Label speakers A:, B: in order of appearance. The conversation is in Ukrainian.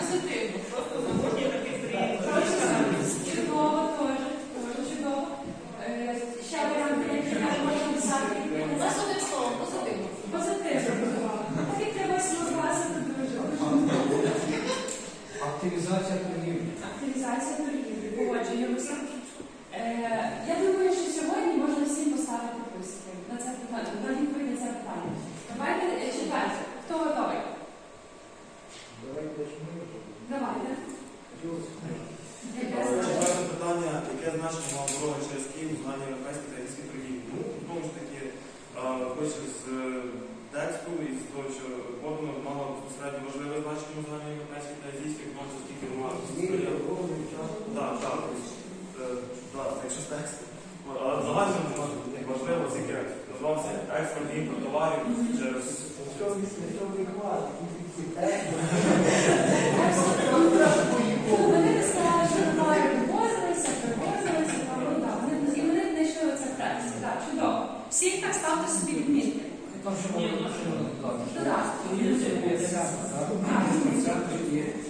A: позитивно. Просто замовні такі стрій.
B: Чудово, теж чудово. Ще варіанти, які можна писати.
A: У нас одним словом позитивно.
B: Позитивно. Так як треба слухати дуже.
C: Активізація торгівлі.
B: Активізація торгівлі. Погоджуємося. Я думаю, що сьогодні можна всім поставити плюсики на це питання, на відповідь на це питання. Давайте четверте. Хто готовий? Давайте.
D: Четверте питання, яке значення мав дорога через Київ у знанні європейської та російської торгівлі? Ну, знову ж таки, хоч з тексту і з того, що подано, мало безпосередньо важливе значення у знанні європейської та російської, тому що скільки немає. Так, якщо з тексту. Але загально важливо тільки називався експорт і імпорт товарів через...
B: Вони не сказали, що товари привозилися, і вони знайшли оце прес. Так, чудово. Всіх так ставте собі відмітки.
C: Там ще можна
B: Додати.
C: є